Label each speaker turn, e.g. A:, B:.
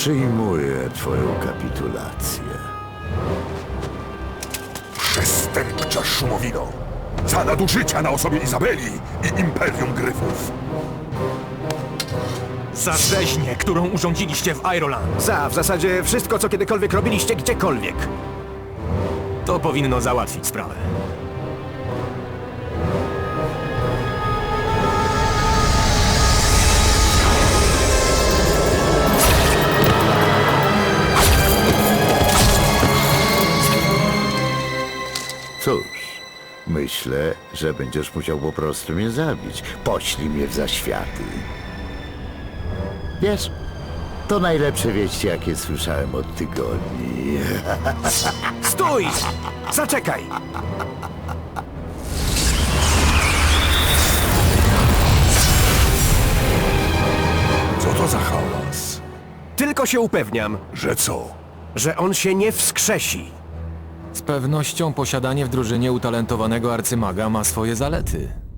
A: Przyjmuję twoją kapitulację.
B: Przestępcza szumowino! Za nadużycia na osobie Izabeli i Imperium Gryfów!
C: Za rzeźnię, którą urządziliście w Iroland.
D: W zasadzie wszystko, co kiedykolwiek robiliście gdziekolwiek.
C: To powinno załatwić sprawę.
A: Cóż, myślę, że będziesz musiał po prostu mnie zabić. Poślij mnie w zaświaty. Wiesz, to najlepsze wieści, jakie słyszałem od tygodni.
D: Stój! Zaczekaj!
B: Co to za hałas?
D: Tylko się upewniam,
B: Że co?
D: że on się nie wskrzesi.
E: Z pewnością posiadanie w drużynie utalentowanego arcymaga ma swoje zalety.